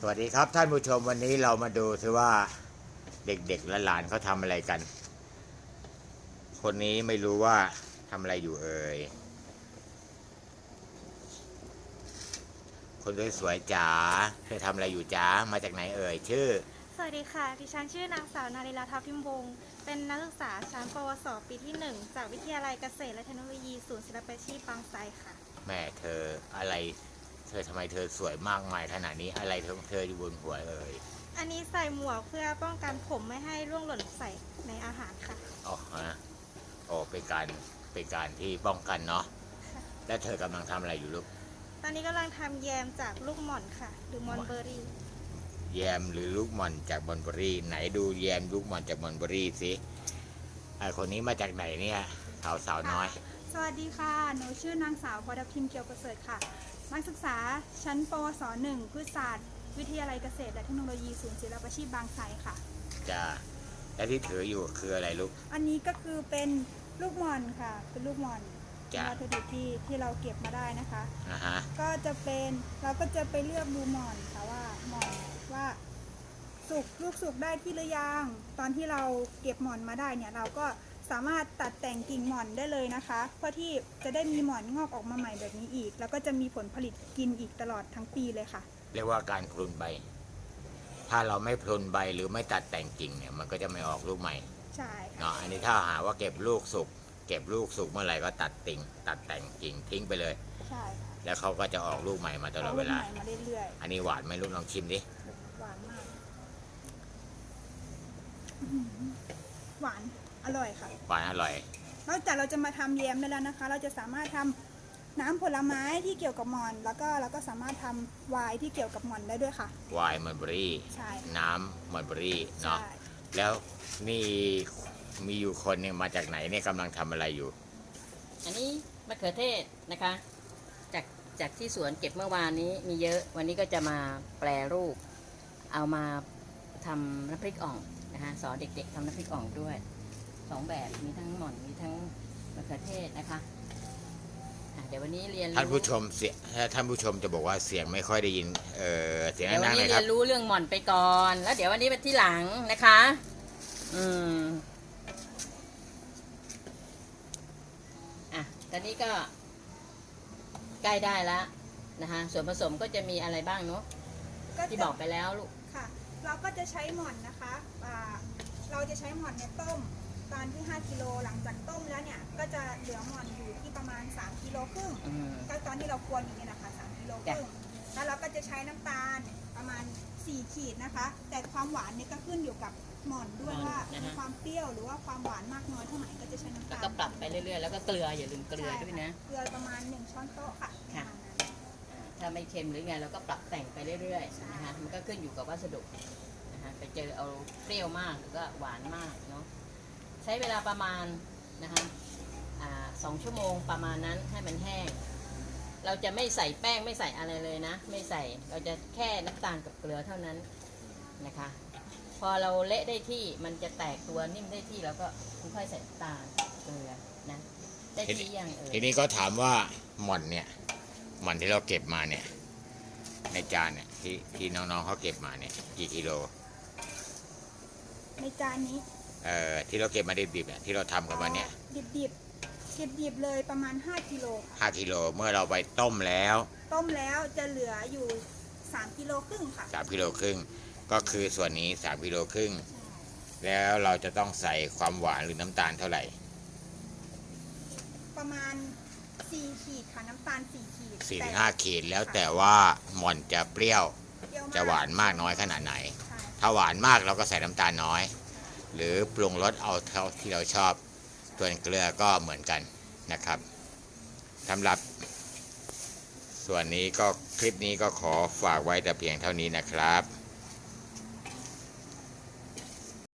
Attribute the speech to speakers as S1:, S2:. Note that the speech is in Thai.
S1: วัสดีครับท่านผู้ชมวันนี้เรามาดูซิว่าเด็กๆและหลานเขาทำอะไรกันคนนี้ไม่รู้ว่าทำอะไรอยู่เอ่ยคนสวยๆจ๋าเธอทำอะไรอยู่จ๋ามาจากไหนเอ่ยชื่อ
S2: สวัสดีค่ะดิฉันชื่อนางสาวนาริลาทัพทิมวงศ์เป็นนักศึกษาชั้นปวสปีที่1จากวิทยาลัยเกษตรและเทคโนโลยีศูนย์ศิลปาชีพบางไทรค่ะ
S1: แม่เธออะไรเธอทำไมเธอสวยมากมายขนาดนี้อะไรเธออยู่บนหัวเอ่ย
S2: อันนี้ใส่หมวกเพื่อป้องกันผมไม่ให้ร่วงหล่นใส่ในอาหารค่ะ
S1: อ๋อฮะโอ้เป็นการที่ป้องกันเนาะแล้วเธอกำลังทำอะไรอยู่ลูก
S2: ตอนนี้กำลังทำแยมจากลูกหม่อนค่ะหรือมอนเบอร์รี่
S1: แยมหรือลูกหม่อนจากมอนเบอรี่ไหนดูแยมลูกหม่อนจากมอนเบอรี่สิไอคนนี้มาจากไหนเนี่ยสาวน้อย
S3: สวัสดีค่ะ หนูชื่อนางสาวพรทิมเกียวประเสริฐค่ะ นักศึกษาชั้นปวส1พืชศาสตร์วิทยาลัยเกษตรและเทคโนโลยีศูนย์ศิลปาชีพบางไทรค่ะ
S1: จ้าและที่ถืออยู่คืออะไรลูก
S3: อันนี้ก็คือเป็นลูกหม่อนค่ะ เป็นลูกหม่อนวัตถุดิบที่เราเก็บมาได้นะคะก็จะเป็นเราก็จะไปเลือกดูหม่อนค่ะว่าหม่อนว่าลูกสุกได้ที่หรือยังตอนที่เราเก็บหม่อนมาได้เนี่ยเราก็สามารถตัดแต่งกิ่งหม่อนได้เลยนะคะเพื่อที่จะได้มีหม่อนงอกออกมาใหม่แบบนี้อีกแล้วก็จะมีผลผลิตกินอีกตลอดทั้งปีเลยค่ะ
S1: เรียกว่าการพลุนใบถ้าเราไม่พลุนใบหรือไม่ตัดแต่งกิ่งเนี่ยมันก็จะไม่ออกลูกใหม่
S3: ใช่
S1: เนาะอันนี้ถ้าหาว่าเก็บลูกสุกเมื่อไหร่ก็ตัดแต่งกิ่งทิ้งไปเลย
S3: ใช่
S1: แล้วเขาก็จะออกลูกใหม่มาตลอดเวลาอันนี้หวานไหมลูกลองชิมดิ
S3: หวานมากหวานอร่อยค่ะ
S1: หวานอร่อย
S3: นอกจากเราจะมาทำแยมได้แล้วนะคะเราจะสามารถทำน้ำผลไม้ที่เกี่ยวกับหม่อนแล้วก็เราก็สามารถทำไวน์ที่เกี่ยวกับหม่อนได้ด้วยค่ะ
S1: ไวน์มอนเบอรี่น้ำมอนเบอรี่เนาะแล้วนี่มีอยู่คนหนึ่งมาจากไหนเนี่ยกำลังทำอะไรอยู่
S4: อันนี้มะเขือเทศนะคะจากที่สวนเก็บเมื่อวานนี้มีเยอะวันนี้ก็จะมาแปรรูปเอามาทำน้ำพริกอ่องนะคะสอนเด็กๆทำน้ำพริกอ่องด้วย2แบบมีทั้งหม่อนมีทั้งมะเขือเทศนะคะเดี๋ยววันนี้เรียน
S1: ท่านผู้ชมท่านผู้ชมจะบอกว่าเสียงไม่ค่อยได้ยินเสียง
S4: ดังๆเลยครับเดี๋ยววันนี้เรียนรู้เรื่องหม่อนไปก่อนแล้วเดี๋ยววันนี้เป็นที่หลังนะคะตอนนี้ก็ใกล้ได้แล้วนะคะส่วนผสมก็จะมีอะไรบ้างเนาะที่บอกไปแล้วลูก
S3: ค่ะเราก็จะใช้หม่อนนะคะเราจะใช้หม่อนเนี่ยต้มตอนที่5กิโลหลังจากต้มแล้วเนี่ยก็จะเหลือหม่อนอยู่ที่ประมาณ3กิโลครึ่งก็ตอนที่เราควรอย่างนี้นะคะ3กิโลครึ่งแล้วเราก็จะใช้น้ำตาลประมาณ4ขีดนะคะแต่ความหวานเนี่ยก็ขึ้นอยู่กับหม่อนด้วยว่ามีความเปรี้ยวหรือว่าความหวานมากน้อยเท่าไหร่ก็จะใช้น้ำตาล
S4: แล้วก็ปรับไปเรื่อยๆแล้วก็เกลืออย่าลืมเกลือด้วยนะ
S3: เกลือประมาณ1ช้อนโต๊ะค่ะ
S4: ถ้าไม่เค็มหรือไงเราก็ปรับแต่งไปเรื่อยๆนะคะมันก็ขึ้นอยู่กับวัสดุนะคะไปเจอเอาเปรี้ยวมากหรือก็หวานมากเนาะใช้เวลาประมาณนะคะ2 ชั่วโมงประมาณนั้นให้มันแห้งเราจะไม่ใส่แป้งไม่ใส่อะไรเลยนะไม่ใส่เราจะแค่น้ำตาลกับเกลือเท่านั้นนะคะพอเราเละได้ที่มันจะแตกตัวนิ่มได้ที่แล้วก็ค่อยๆใส่น้ำตาลเกลือนะได้ที่ยัง
S1: ทีนี้ก็ถามว่าหม่อนที่เราเก็บมาเนี่ยในจานเนี่ยที่น้องๆเขาเก็บมาเนี่ยกี่กิโล
S3: ในจานนี้
S1: ที่เราเก็บมาดิบๆเนี่ยที่เราทำกันมาเนี่ย
S3: ดิบเลยประมาณ5กิโล
S1: 5กิโลเมื่อเราไปต้มแล้ว
S3: จะเหลืออยู่3กิโลครึ่งค่ะ
S1: 3กิโลครึ่งก็คือส่วนนี้3กิโลครึ่งแล้วเราจะต้องใส่ความหวานหรือน้ำตาลเท่าไหร่
S3: ประมาณ4ขีดค่ะน้ำตาล4ขีด
S1: 4-5ขีดแล้วแต่ว่าหม่อนจะเปรี้ยวจะหวานมากน้อยขนาดไหนถ้าหวานมากเราก็ใส่น้ำตาลน้อยหรือปรุงรสเอาเท่าที่เราชอบส่วนเกลือก็เหมือนกันนะครับสำหรับส่วนนี้ก็คลิปนี้ก็ขอฝากไว้แต่เพียงเท่านี้นะครับ